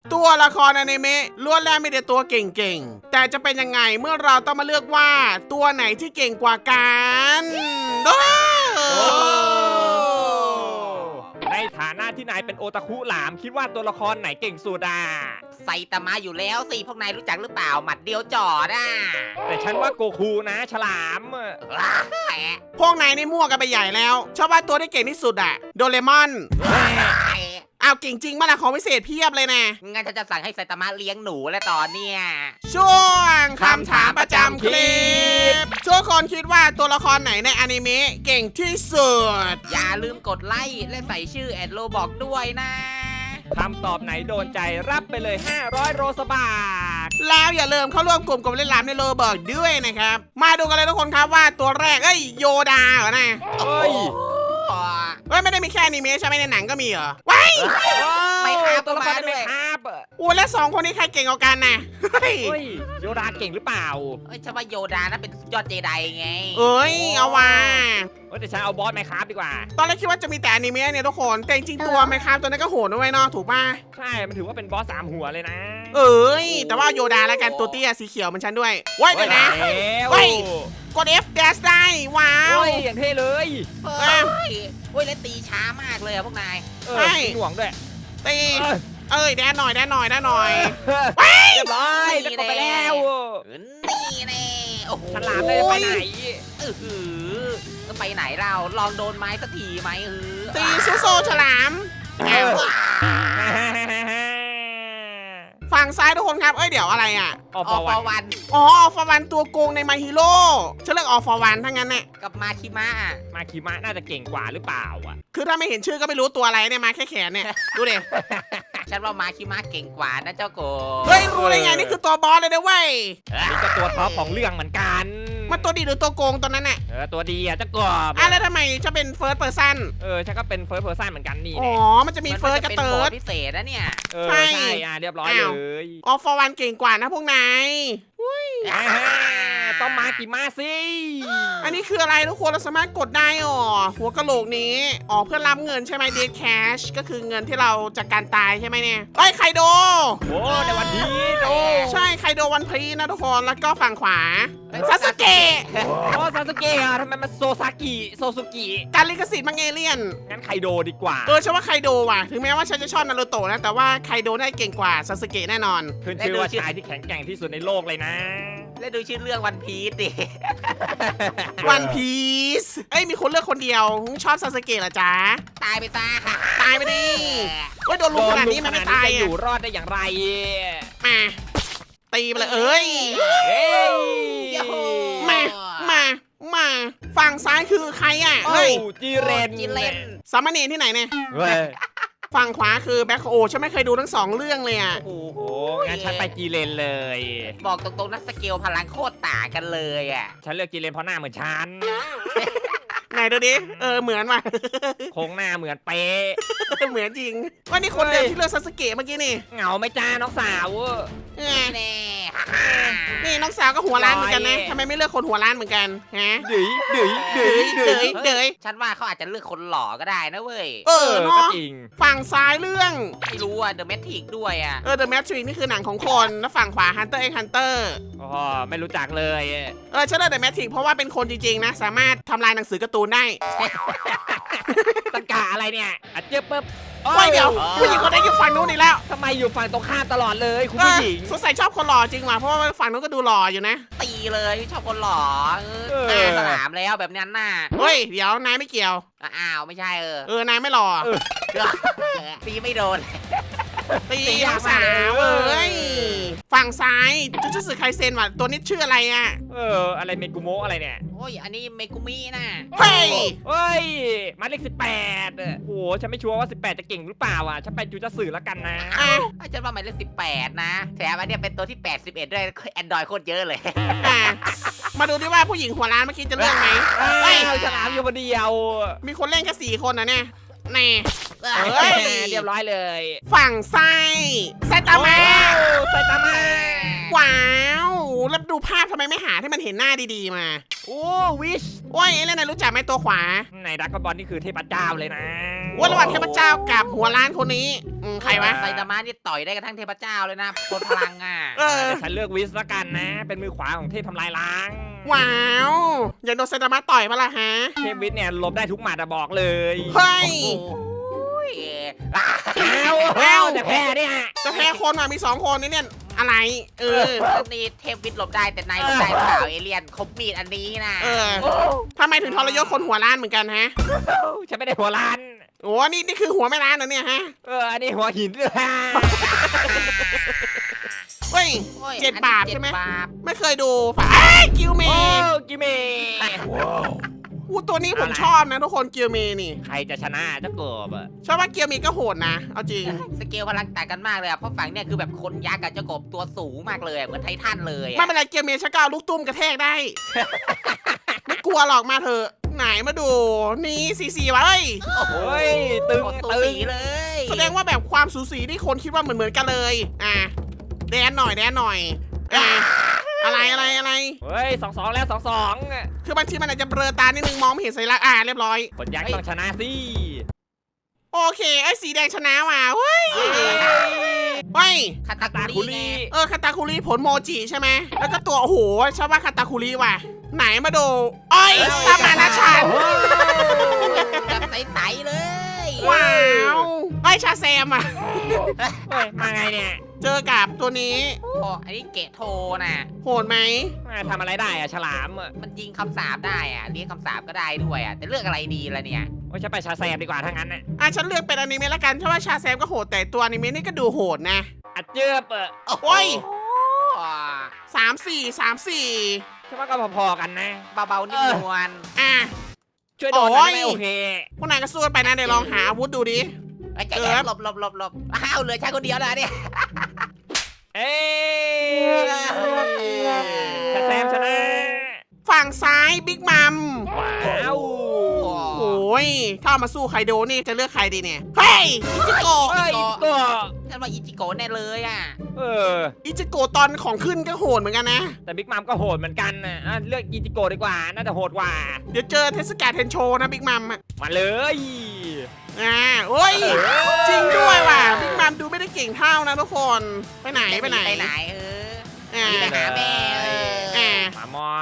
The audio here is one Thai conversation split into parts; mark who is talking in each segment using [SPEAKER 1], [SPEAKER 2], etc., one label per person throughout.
[SPEAKER 1] ตัวละครอนิเมะล้วนแล้วมีแต่ตัวเก่งๆแต่จะเป็นยังไงเมื่อเราต้องมาเลือกว่าตัวไหนที่เก่งกว่ากัน
[SPEAKER 2] ในฐานะที่นายเป็นโอตาคุหลามคิดว่าตัวละครไหนเก่งสุดอ่ะ
[SPEAKER 3] ไซตามะอยู่แล้วสิพวกนายรู้จักหรือเปล่าหมัดเดียวจอดอ่ะ
[SPEAKER 2] แต่ฉันว่าโกคูนะฉลาม
[SPEAKER 1] พวกนายนี่มั่วกันไปใหญ่แล้วชอบว่าตัวที่เก่งที่สุดอะโดเรมอนอ้าวเก่งจริงมาละของพิเศษเพียบเลยนะ
[SPEAKER 3] งั้นฉันจะสั่งให้ไซตามะเลี้ยงหนูแล้วตอนเนี้ย
[SPEAKER 1] ช่วงคำถามประจำคลิปทุกคนคิดว่าตัวละครไหนในอนิเมะเก่งที่สุด
[SPEAKER 3] อย่าลืมกดไลค์และใส่ชื่อแอดโลบอกด้วยนะ
[SPEAKER 2] คำตอบไหนโดนใจรับไปเลย500โรสบาท
[SPEAKER 1] แล้วอย่าลืมเข้าร่วมกลุ่มกับเล่นล้ำในโลเบิร์กด้วยนะครับมาดูกันเลยทุกคนครับว่าตัวแรกโยดาเหรอนะ
[SPEAKER 2] เฮ้ย
[SPEAKER 1] ไม่ได้มีแค่อนิเมะใช่ไหมในหนังก็มีเหรอว้าย
[SPEAKER 3] ไม่ครับ
[SPEAKER 2] ตัวละคร
[SPEAKER 3] มาด้
[SPEAKER 2] ไม่
[SPEAKER 3] วย
[SPEAKER 2] ครับ
[SPEAKER 1] อู้และ2คนนี้ใครเก่งกว่ากันนะเฮ้ย
[SPEAKER 2] เฮ้ยโยดาเก่งหรือเปล่า
[SPEAKER 3] เอ้ยฉันว่าโยดานะเป็นยอดเจไดไง
[SPEAKER 1] เอ้ยเอาว่า
[SPEAKER 2] แต่ฉันเอาบอสไหมครับดีกว่า
[SPEAKER 1] ตอนแรกคิดว่าจะมีแต่อนิเมะเนี่ยทุกคนแต่จริงๆตัวไมครับตัวนั้นก็โหดด้วยเนาะถูกป่ะ
[SPEAKER 2] ใช่มันถือว่าเป็นบอส3หัวเลยนะ
[SPEAKER 1] เอ้ยแต่ว่าโยดาแล้วกันตัวเตี้ยสีเขียวเหมันฉันด้วยว้ายเดี๋ยวนะ เฮ้
[SPEAKER 2] เฮ้
[SPEAKER 1] ย
[SPEAKER 2] ย
[SPEAKER 1] กด F dash ได้ว้าว
[SPEAKER 2] เฮ้ยอย่างเท่เลย
[SPEAKER 3] เฮ้ยแล้วตีช้ามากเลยอะพวกนาย
[SPEAKER 1] ใช่
[SPEAKER 2] หน่วงด้วย
[SPEAKER 1] ตี
[SPEAKER 2] เอ้ย
[SPEAKER 1] แดนหน่อยแดนหน่อยแดนหน่อย
[SPEAKER 2] เรียบร้อยได้กดไปแล้ว
[SPEAKER 3] นี่แน่โอ้โห
[SPEAKER 2] ฉลามได้ไปไหน
[SPEAKER 3] หือจะไปไหนเราลองโดนไม้สักทีไหม
[SPEAKER 1] ตีซูโซฉลามอ้าวฝั่งซ้ายทุกคนครับเดี๋ยวอะไรอ่ะ
[SPEAKER 2] ออ
[SPEAKER 3] ออก
[SPEAKER 2] ฟ
[SPEAKER 3] ฟ
[SPEAKER 2] วั
[SPEAKER 3] อน วัน
[SPEAKER 1] อ๋อฟอร์วันตัวโกงในมาฮิโร่ฉันเลือกออฟอร์วันทั้งนั้นเนี่ย
[SPEAKER 3] กับมาคิมะ
[SPEAKER 2] มาคิมะน่าจะเก่งกว่าหรือเปล่าอ่ะ
[SPEAKER 1] คือถ้าไม่เห็นชื่อก็ไม่รู้ตัวอะไรเนี่ยมาแค่แขนเนี่ยดูดิ
[SPEAKER 3] ฉันว่ามาคิมะเก่งกว่านะเจ้าโก
[SPEAKER 1] เฮ้ยรู้ได้ไงนี่คือตัวบอสเลยนะเว้ย
[SPEAKER 2] นี่ก็ตัวท็อปของเรื่องเหมือนกัน
[SPEAKER 1] มันตัวดีหรือตัวโกงตอนนั้นน่ะ
[SPEAKER 2] ตัวดีอ่ะเจ้ากบ
[SPEAKER 1] แล้วทำไมจะเป็นเฟิร์สเพอร์ซัน
[SPEAKER 2] ฉันก็เป็นเฟิร์สเพอร์ซันเหมือนกันนี่
[SPEAKER 1] อ๋อ
[SPEAKER 2] เนี่ย
[SPEAKER 1] มันจะมีเฟิร์สกับเติร์ด
[SPEAKER 3] พิเศษนะเนี่ย
[SPEAKER 1] ใช่
[SPEAKER 2] ใช่เรียบร้อยเลย
[SPEAKER 1] ออฟอร์วันเก่งกว่านะพวกนาย
[SPEAKER 2] ต้องมากิมาสิ
[SPEAKER 1] อันนี้คืออะไรทุกคนเราสามารถกดได้หัวกะโหลกนี้เพื่อรับเงินใช่ไหมเดทแคชก็คือเงินที่เราจากการตายใช่ไหมเนี่ยไคโด
[SPEAKER 2] โอ้ในวันนี้โอ้
[SPEAKER 1] ใช่ไคโดวันพีนะทุกคนแล้วก็ฝั่งขวาซาสเกะ
[SPEAKER 2] ซาสึเกะทำไมมันโซซุกิ
[SPEAKER 1] การลิขสิทธิ์มังเอเลียน
[SPEAKER 2] งั้นไคโดดีกว่า
[SPEAKER 1] ฉันว่าไคโดว่ะถึงแม้ว่าฉันจะชอบนารูโตะนะแต่ว่าไคโดได้เก่งกว่าซาสเกะแน่นอน
[SPEAKER 2] ขึ้นชื่อว่าชายที่แข็งแกร่งที่สุดในโลกเลยนะ
[SPEAKER 3] แล้วดูชื่อเรื่องวันพีซดิ
[SPEAKER 1] วันพีซมีคนเลือกคนเดียวชอบซาสเกะเหรอจ๊ะ
[SPEAKER 3] ตายไปซะ
[SPEAKER 1] ตายไปดิโดนลุมขนาดนี้มันไม่ตาย
[SPEAKER 2] จะอยู่รอดได้อย่างไร
[SPEAKER 1] มาตีไปเลยเอ้ย มาฝั่งซ้ายคือใครอ่ะเฮ้ย
[SPEAKER 2] จีเรน
[SPEAKER 3] จิเลน
[SPEAKER 1] สามเณรที่ไหนเนี่ย
[SPEAKER 2] เฮ้ย
[SPEAKER 1] ฝั่งขวาคือแบ็คโอฉันไม่เคยดูทั้ง2เรื่องเลยอ่ะ
[SPEAKER 3] โอ้โห
[SPEAKER 2] โอ้งั้นฉันไปจีเรนเลย
[SPEAKER 3] บอกตรงๆนะสเกลพลังโคตรต่างกันเลยอ่ะ
[SPEAKER 2] ฉันเลือกจีเรนเพราะหน้าเหมือนฉัน
[SPEAKER 1] ไหนดูดิเหมือนว่ะ
[SPEAKER 2] โครงหน้าเหมือนเป๊ะ
[SPEAKER 1] เหมือนจริงว่านี่คนเดิมที่เลือกซาสเกะเมื่อกี้นี่
[SPEAKER 2] เหงาไหม่จ้าน้องสาว
[SPEAKER 1] เอ้ย
[SPEAKER 3] แน่
[SPEAKER 1] นี่น้องสาวก็หัวล้านเหมือนกันนะทำไมไม่เลือกคนหัวล้านเหมือนกันฮะ
[SPEAKER 2] ดื้อดื้อดื้อดื้อ
[SPEAKER 1] เดย
[SPEAKER 3] ฉันว่าเขาอาจจะเลือกคนหล่อก็ได้นะเว้ย
[SPEAKER 1] เนาะ
[SPEAKER 2] ก็จริง
[SPEAKER 1] ฝั่งซ้ายเรื่อง
[SPEAKER 3] ไม่รู้อ่ะเดอะแมทริกด้วยอ่ะ
[SPEAKER 1] The Matrix นี่คือหนังของคนแล้วฝั่งขวา Hunter x Hunter
[SPEAKER 2] อ๋อไม่รู้จักเลย
[SPEAKER 1] ฉันเลือก The Matrix เพราะว่าเป็นคนจริงๆนะสามารถทำลายหนังสือการ์ตูนได้
[SPEAKER 2] ตะกาอะไรเนี่ยอัดเจ็บปุ๊บ
[SPEAKER 1] เดี๋ยวผู้หญิงคนนี้อยู่ฝั่งนู้นอีกแล้ว
[SPEAKER 2] ทำไมอยู่ฝั่งตรงข้ามตลอดเลยคุณผู้หญิง
[SPEAKER 1] สงสัยชอบคนหล่อจริงว่ะเพราะว่าฝั่งนู้นก็ดูหล่ออยู่นะ
[SPEAKER 3] ตีเลยชอบคนหล่อสนามแล้วแบบนั้นน่ะ
[SPEAKER 1] เฮ้ยเดี๋ยวนายไม่เกี่ยว
[SPEAKER 3] อ้าวไม่ใช่
[SPEAKER 1] นายไม่หล่อ
[SPEAKER 3] ตีไม่โดน
[SPEAKER 1] ตีน้องสาวฝั่งซ้ายจุสึไคเซนว่ะตัวนี้ชื่ออะไรอ่ะ
[SPEAKER 2] อะไรเมกุโมะอะไรเนี่ย
[SPEAKER 3] โอ้ยอันนี้เมกุมินะ
[SPEAKER 1] เฮ้ย
[SPEAKER 2] เฮ้ยมาเลข18โหฉันไม่ชัวร์ว่า18จะเก่งหรือเปล่าอ่ะฉันไปจูจะสื่อแล้วกันนะ
[SPEAKER 3] ฉันว่าหมายเลข18นะแถมอันเนี้ยเป็นตัวที่81ด้วยแอนดรอยโคตรเยอะเลย
[SPEAKER 1] มาดูดิว่าผู้หญิงหัวล้านเมื่อกี้จะเลือกไหม
[SPEAKER 2] เฮ้ยฉลามอยู่คนเดียว
[SPEAKER 1] มีคนเล่นแค่4 คนนะเนี่ยแน่
[SPEAKER 2] เรียบร้อยเลย
[SPEAKER 1] ฝั่งซ้ายไซตามะ
[SPEAKER 2] ไซตามะ
[SPEAKER 1] ว้าวแล้วดูภาพทำไมไม่หาที่มันเห็นหน้าดีๆมา
[SPEAKER 2] โอ้วิช
[SPEAKER 1] โอ้ยแล้วนายรู้จักไหมตัวขวา
[SPEAKER 2] ในดักกอนบอลนี่คือเทพเจ้าเลยนะ
[SPEAKER 1] ว่าระหว่างเทพเจ้ากับหัวล้านคนนี้ใครวะ
[SPEAKER 3] ไซตามะนี่ต่อยได้กระทั่งเทพเจ้าเลยนะคนพลังอ่ะ
[SPEAKER 1] เออ
[SPEAKER 2] เดี๋ยวฉันเลือกวิสละกันนะ เป็นมือขวาของเทพทำลายล้าง
[SPEAKER 1] ว้าวอยากโดนไซตามะต่อยมาละฮะ
[SPEAKER 2] เทพวิสเนี่ยหลบได้ทุกหมัดอะบอกเลย
[SPEAKER 1] เฮ้ย
[SPEAKER 3] โอ้ย
[SPEAKER 2] เอาแต่แพ้เนี่ย
[SPEAKER 1] จะแพ้คนอ่ะมี2คนนี่เนี่ยอะไร
[SPEAKER 3] นี่เทพวิทย์หลบได้แต่นายหลบได้หรือเปล่าเอเลี่ยนคบมีดอันนี้นะ
[SPEAKER 1] ทำไมถึงทรยศคนหัวล้านเหมือนกันฮะ
[SPEAKER 2] ฉันไม่ได้หัวล้าน
[SPEAKER 1] โอ้นี่คือหัวแม่ล้านเหรอเนี่ยฮะ
[SPEAKER 2] อันนี้หัวหินเลย
[SPEAKER 1] เฮ้ย
[SPEAKER 3] โอ้ย
[SPEAKER 1] 7 บาทใช่ไหม
[SPEAKER 3] 7 บาท
[SPEAKER 1] ไม่เคยดูฝากิวเม
[SPEAKER 2] โอ้
[SPEAKER 1] ย์
[SPEAKER 2] กิเม
[SPEAKER 1] ตัวนี้ผมชอบนะทุกคนกิวเมย์นี่
[SPEAKER 2] ใครจะชนะเจะเกิบอะ
[SPEAKER 1] ชอบว่ากิวเมย์ก็โหดนะเอาจริง
[SPEAKER 3] สเกลพลังต่างกันมากเลยอะเพราะฝั่งเนี่ยคือแบบคนยักษ์กับเจ้ากบตัวสูงมากเลยอะเหมือนไททันเลย
[SPEAKER 1] ไม่
[SPEAKER 3] อะ
[SPEAKER 1] เป็นไรกิวเมย์ชักก้าวลูกตุ้มกระแทกได้ ไม่กลัวหรอกมาเถอะไหนมาดูนี่สีวะเอ้ย
[SPEAKER 3] โอ้โห
[SPEAKER 2] เฮ้ยตึง
[SPEAKER 3] ตัว
[SPEAKER 2] ตึ
[SPEAKER 3] สี
[SPEAKER 2] ง
[SPEAKER 3] เลย
[SPEAKER 1] แสดงว่าแบบความสูสีที่คนคิดว่าเหมือนกันเลยแดนหน่อยอะไร
[SPEAKER 2] เฮ้ย2-2แล้ว2-2อะ
[SPEAKER 1] คือบางทีมันอาจจะเบลอตานิดนึงมองไม่เห็นสัญลักษณ์เรียบร้อย
[SPEAKER 2] คนยักษ์ต้องชนะสิ
[SPEAKER 1] โอเคไอ้สีแดงชนะว่ะเฮ้ยเฮ้ย
[SPEAKER 3] คาตา
[SPEAKER 2] ตา
[SPEAKER 3] คุ
[SPEAKER 2] คุ
[SPEAKER 3] รี
[SPEAKER 2] รี
[SPEAKER 1] คาตาคุริผลโมจิใช่ไหมแล้วก็ตัวโอ้โหชอบว่าคาตาคุริว่ะไหนมาดูอ้อยสมานฉันท์
[SPEAKER 3] แบบใสๆเลย
[SPEAKER 1] ว้าวไอ้ชาแซมอ่ะ
[SPEAKER 2] เฮ้ยมาไงเนี่ย
[SPEAKER 1] เจอกับตัวนี้
[SPEAKER 3] โอ้อันนี้เกะโทน่ะ
[SPEAKER 1] โหดไหม
[SPEAKER 2] มาทำอะไรได้อะฉลามอะ
[SPEAKER 3] มันยิงคำสาปได้อะเรียกคำสาปก็ได้ด้วยอะแต่เลือกอะไรดีล่ะเนี่ย
[SPEAKER 2] โอ้ยฉันไปชาแซมดีกว่าถ้างั้นน่ะ
[SPEAKER 1] ฉันเลือกเป็นอนิเมะละกันเพราะว่าชาแซมก็โหดแต่ตัวอนิเมะนี่ก็ดูโหดนะ
[SPEAKER 2] อัดเจือบอะ
[SPEAKER 1] โอ้ย
[SPEAKER 3] โอ้
[SPEAKER 1] 3-4
[SPEAKER 2] ฉันว่าก็พอๆกันนะ
[SPEAKER 3] เบาๆนิ่มนวล
[SPEAKER 2] ช่วยโดนหน่อยได้ไหมโอเค
[SPEAKER 1] พวกนายก็สู้กันไปนะเดี๋ยวลองหาอาวุธดูดิ
[SPEAKER 3] ไอ้ใจแอบหลบอ้าวเหลือฉันคนเดียวแล้วเนี่ย
[SPEAKER 2] เอ้ยชาแซมชนะ
[SPEAKER 1] ฝั่งซ้ายบิ๊กมัม
[SPEAKER 2] ว้าว
[SPEAKER 1] โอ้ยถ้าเอามาสู้ไคโดนี่จะเลือกใครดีเนี่ยเฮ้ยอิจิโกะ
[SPEAKER 2] เฮ้ยตัว
[SPEAKER 3] ฉันว่าอิจิโกะแน่เลยอ่ะ
[SPEAKER 2] เออ
[SPEAKER 1] อิจิโกะตอนของขึ้นก็โหดเหมือนกันนะ
[SPEAKER 2] แต่บิ๊กมัมก็โหดเหมือนกันนะเลือกอิจิโกะดีกว่า น่าจะโหดกว่า
[SPEAKER 1] เดี๋ยวเจอเทศกาลเทนโชนะบิ๊กมัม
[SPEAKER 2] มาเลย
[SPEAKER 1] โอ้ยจริงด้วยว่ะบิ๊กมัมดูไม่ได้เก่งเท่านะทุกคนไปไหน
[SPEAKER 3] ไปไหนนี่ไปหาแม่
[SPEAKER 2] มามอบ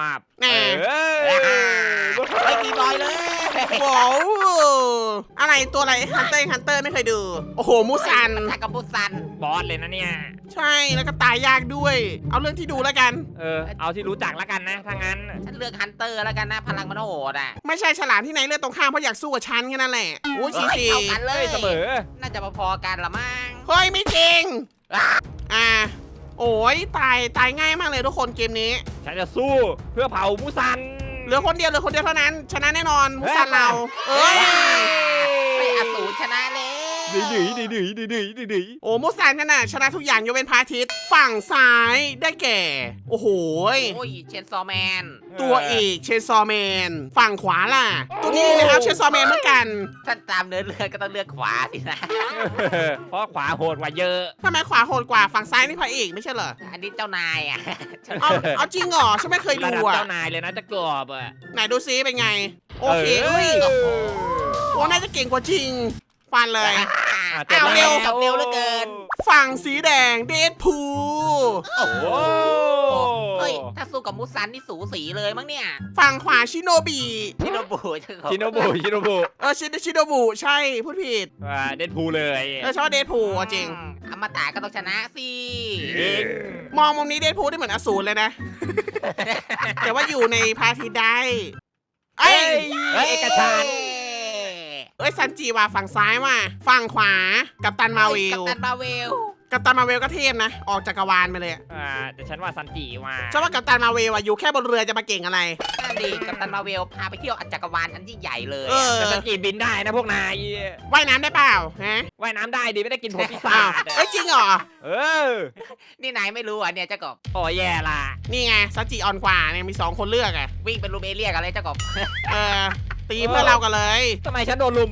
[SPEAKER 3] ไม่มีบอยเลย
[SPEAKER 1] ว้าวอะไรตัวอะไรฮันเตอร์ไม่เคยดู โอ้โหมูซัน
[SPEAKER 3] ทักกับบุซัน
[SPEAKER 2] บอสเลยนะเนี่ย
[SPEAKER 1] ใช่แล้วก็ตายยากด้วย เอาเรื่องที่ดูแล้วกัน
[SPEAKER 2] เอาที่รู้จักแล้วกันนะถ้างั้น
[SPEAKER 3] ฉันเลือกฮันเตอร์แล้วกันนะพลังมันโหดอ่ะ
[SPEAKER 1] ไม่ใช่ฉลามที่ไหนเลือกตรงข้ามเพราะอยากสู้กับฉันแค่นั้นแหละโอ้ยสี
[SPEAKER 3] เท่ากันเล
[SPEAKER 2] เฮ้
[SPEAKER 3] ย
[SPEAKER 2] ยเสมอ
[SPEAKER 3] น่าจะพอๆกันละมั้ง
[SPEAKER 1] เฮ้ยไม่จริงโอ้ยตายง่ายมากเลยทุกคนเกมนี้
[SPEAKER 2] ฉันจะสู้เพื่อเผามูซัน
[SPEAKER 1] เหลือคนเดียวเท่านั้น ชนะแน่นอนมูซันเราย
[SPEAKER 3] ไม่อสูรชนะเลย
[SPEAKER 2] ดี
[SPEAKER 1] โอ้มูซันกันน่ะชนะทุกอย่างยกเว้นพระอาทิตย์ฝั่งซ้ายได้แก่ โอ้โห
[SPEAKER 3] โอ้ยเชนซอแมน
[SPEAKER 1] ตัวเอกเชนซอแมนฝั่งขวาล่ะ ตัวนี้นะครับเชนซอแมนเหมือนกัน
[SPEAKER 3] ถ้าตามเนื้อเรื่องก็ต้องเลือกขวาสินะ
[SPEAKER 2] เพราะขวาโหดกว่าเยอะ
[SPEAKER 1] ทำไมขวาโหดกว่าฝั่งซ้ายนี่พระเอกไม่ใช่เหรอ
[SPEAKER 3] อันนี้เจ้านายอ่ะ
[SPEAKER 1] เอาจริงเหรอฉันไม่เคย
[SPEAKER 2] ระ
[SPEAKER 1] ดู
[SPEAKER 2] ดับ
[SPEAKER 1] อ่ะ
[SPEAKER 2] เจ้านายเลยนะจะกรอบอ่ะ
[SPEAKER 1] ไหนดูซิเป็นไง โอเคเฮ้ยโอ้น่าจะเก่งกว่าจริง ฟันเลย
[SPEAKER 3] เอาเร็วกับเร็วเหลือเกิน
[SPEAKER 1] ฝั่งสีแดงเดดพู
[SPEAKER 2] โอ้โห
[SPEAKER 3] เฮ้ยถ้าสู้กับมูซันนี่สูสีเลยมั้งเนี่ย
[SPEAKER 1] ฝั่งขวาชิโนบิ
[SPEAKER 3] ชิโนบุ
[SPEAKER 2] ชิโนบุ
[SPEAKER 1] ชิโนบุใช่พูดผิด
[SPEAKER 2] เดดพูลเลย
[SPEAKER 1] ชอบเดดพูจริง
[SPEAKER 3] อมตะก็ต้องชนะสิ
[SPEAKER 1] มองมุมนี้เดดพูได้เหมือนอสูรเลยนะ แต่ว่าอยู่ในพระอาทิตย์ได้เอ้ย
[SPEAKER 2] เอกชัน
[SPEAKER 1] ซันจิว่ะฝั่งซ้ายว่ะฝั่งขวากัปตันมาเวล
[SPEAKER 3] กัปตันมาเวล
[SPEAKER 1] กัปตันมาเวลก็เทพนะ ออกจักรวาลไปเลย
[SPEAKER 2] แต่ฉันว่าซันจิว่า
[SPEAKER 1] ชอบว่ากัปตันมาเวลอะอยู่แค่บนเรือจะมาเก่งอะไร
[SPEAKER 3] นั่นดิกัปตันมาเวลพาไปเที่ยวจักรวาลอันยิ่งใหญ่เลย
[SPEAKER 2] แต่ซันจิบินได้นะพวกนาย
[SPEAKER 1] ว่ายน้ำได้เปล่าฮะ
[SPEAKER 2] ว่ายน้ำได้ดีไม่ได้กินผลปีศา
[SPEAKER 1] อ้าว
[SPEAKER 2] จ
[SPEAKER 1] เอ้ยจริงเหรอ
[SPEAKER 3] นี่นายไม่รู้อ่ะเนี่ยเจ้ากบ
[SPEAKER 2] โอ้แย่ละ
[SPEAKER 1] นี่ไงซันจิอ่อนกว่าเนี่ยมี2คนเลือกอะ
[SPEAKER 3] วิ่งเป็นลูมเอเรียกันเลยเจ้ากบ
[SPEAKER 1] ตีเพื่อเรากันเลย
[SPEAKER 2] ทำไมฉันโดนลุม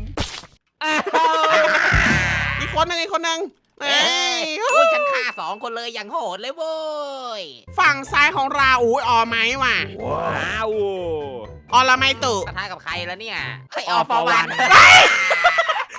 [SPEAKER 1] อีกคนหนึงเอ้ย
[SPEAKER 3] อุ้ยฉันฆ่า2 คนเลยอย่างโหดเลยโว้ย
[SPEAKER 1] ฝั่งซ้ายของเราอุ้ยออไม้ว่ะ
[SPEAKER 2] ว้าว
[SPEAKER 1] ออละไมตุ
[SPEAKER 3] ปะทะกับใครแล้วเนี่ยให้ออฟอร์วัน
[SPEAKER 1] ไป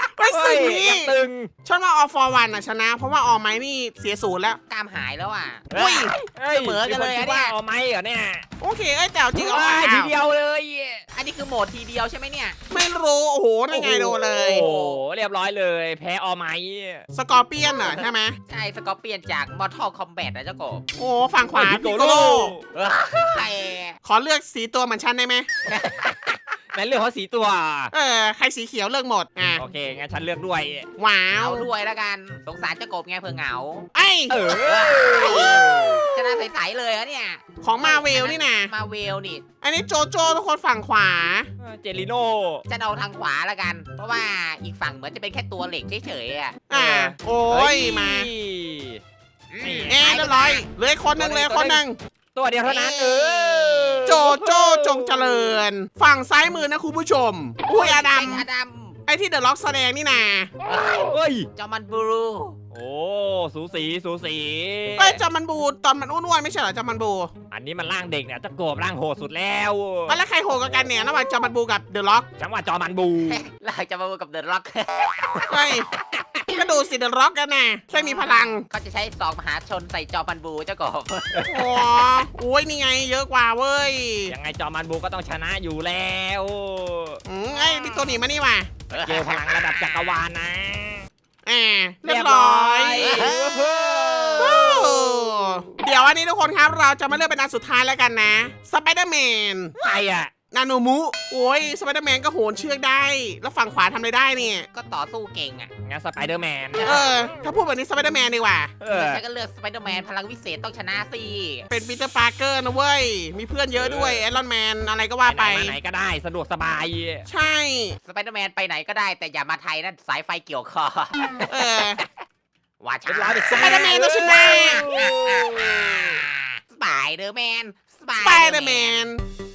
[SPEAKER 1] สึกนี้
[SPEAKER 2] ยังตึง
[SPEAKER 1] ฉันว่า All for One ชนะ เพราะว่าออไม้นี่เสียศูนย์แล้ว
[SPEAKER 3] กล้ามหายแล้วอ่ะ
[SPEAKER 1] อุ้ย
[SPEAKER 3] เสมอกันเลย
[SPEAKER 2] มีค
[SPEAKER 3] อะ
[SPEAKER 2] คิด
[SPEAKER 3] เนี่
[SPEAKER 2] ว่าย เอาไหมเหรอเนี่ย
[SPEAKER 1] โอเคแต่เอาจริงเอา
[SPEAKER 2] ว้ายทีเดียวเลย
[SPEAKER 3] อันนี้คือโหมดทีเดียวใช่ไหมเนี่ย
[SPEAKER 1] ไม่รู้โอ้โหนั่นไงโดนเลย
[SPEAKER 2] โอ้โหเรียบร้อยเลย แพ้เอาไหม
[SPEAKER 1] สกอร์เปียนเหรอใช่ไหม
[SPEAKER 3] ใช่สกอร์เปียนจาก Mortal Kombat นะเจ้ากบ
[SPEAKER 1] โอ้ฝั่งขวา
[SPEAKER 2] พิ
[SPEAKER 1] พิ
[SPEAKER 2] โก
[SPEAKER 1] โก
[SPEAKER 2] โล
[SPEAKER 1] โล
[SPEAKER 3] แต่
[SPEAKER 1] ขอเลือกสีตัวเหมือนฉันได้ไหม
[SPEAKER 2] แม่นเลือกเขาสีตัว
[SPEAKER 1] ใครสีเขียวเลือกหมดอ่ะ
[SPEAKER 2] โอเคงั้นฉันเลือกด้วย
[SPEAKER 1] ว้า
[SPEAKER 3] เอา
[SPEAKER 1] ว
[SPEAKER 3] ด้วยแล้วกันสงสารเจ้ากบไงเพื่อเหงา
[SPEAKER 1] ไอย
[SPEAKER 2] เออ
[SPEAKER 3] ชนะใสๆเลยอะเนี่ย
[SPEAKER 1] ของมาเวลนี่นะ
[SPEAKER 3] มาเวลนี่
[SPEAKER 1] อันนี้โจโจทุกคนฝั่งขวา
[SPEAKER 2] เจลิโน่
[SPEAKER 3] จะเอาทางขวาแล้วกัน เพราะว่าอีกฝั่งเหมือนจะเป็นแค่ตัวเหล็กเฉยๆอ่ะ
[SPEAKER 1] โอ้ยมา
[SPEAKER 3] อืม
[SPEAKER 1] เรียบร้อยเหลืออกคนหนึ่งเหลยคนหนึ่ง
[SPEAKER 2] ตัวเดียวเท่านั้น
[SPEAKER 1] โจโจจงเจริญ ฝั่งซ้ายมือนะคุณผู้ชม อุ้ยอดัม
[SPEAKER 3] อดัม
[SPEAKER 1] ไอที่เดอะล็อกแสดงนี่นา
[SPEAKER 2] เฮ้ย
[SPEAKER 3] จอมันบูรู
[SPEAKER 2] โอ้สูสีสูสี
[SPEAKER 1] เอ้ยจอมันบูตอนมันอ้วนๆไม่ใช่เหรอจอมันบู
[SPEAKER 2] อันนี้มันร่างเด็กเนี่ยจะโกบร่างโหดสุดแล้ว
[SPEAKER 1] แล้วใครโหดกว่ากันเนี่ยระหว่างจอมันบูกับเดอะล็อก
[SPEAKER 2] จังหวะจอมันบู
[SPEAKER 3] เราจะมาบูกับเดอะร็อก
[SPEAKER 1] เฮ้ยก็ดูสิเดอะล็อกกันนะแค่มีพลัง
[SPEAKER 3] เขาจะใช้สองมหาชนใส่จอมันบูเจ้ากบ
[SPEAKER 1] โอ้ยนี่ไงเยอะกว่าเว้ย
[SPEAKER 2] ยังไงจอมันบูก็ต้องชนะอยู่แล้ว
[SPEAKER 1] ไอ้มีตัวหนีมานี่ว่ะ
[SPEAKER 2] เจอพลังระดับจักรวาลนะ
[SPEAKER 1] เรียบร้อย
[SPEAKER 2] เรียบร้อย
[SPEAKER 1] โอ้เดี๋ยวอันนี้ทุกคนครับเราจะมาเลือกเป็นอันสุดท้ายแล้วกันนะสไปเดอร์แมน
[SPEAKER 2] ใครอ่ะ
[SPEAKER 1] นาโนมุโอ้ยสไปเดอร์แมนก็โหนเชือกได้ แล้วฝั่งขวาทำอะไรได้เนี่ย
[SPEAKER 3] ก็ต่อสู้เก่งอ่ะ
[SPEAKER 2] งั้นสไปเดอร์แมน
[SPEAKER 1] ถ้าพูดแบบนี้สไปเดอร์แมนดีกว่า
[SPEAKER 3] ฉันก็เลือกสไปเดอร์แมนพลังวิเศษต้องชนะสิ
[SPEAKER 1] เป็นปีเตอร์ปาร์เกอร์นะเว้ย มีเพื่อนเยอะด้วยไอรอนแมนอะไรก็ว่าไป
[SPEAKER 2] มาไหนก็ได้สะดวกสบาย
[SPEAKER 1] ใช่
[SPEAKER 3] สไปเดอร์แมนไปไหนก็ได้แต่อย่ามาไทยนะสายไฟเกี่ยวคอ
[SPEAKER 1] เออ
[SPEAKER 3] ว่าช้า
[SPEAKER 2] เรียบร้อยไป
[SPEAKER 1] สไปเดอร์แมนต้องชนะ
[SPEAKER 3] สไปเดอร์แมน
[SPEAKER 1] สไปเดอร์แมน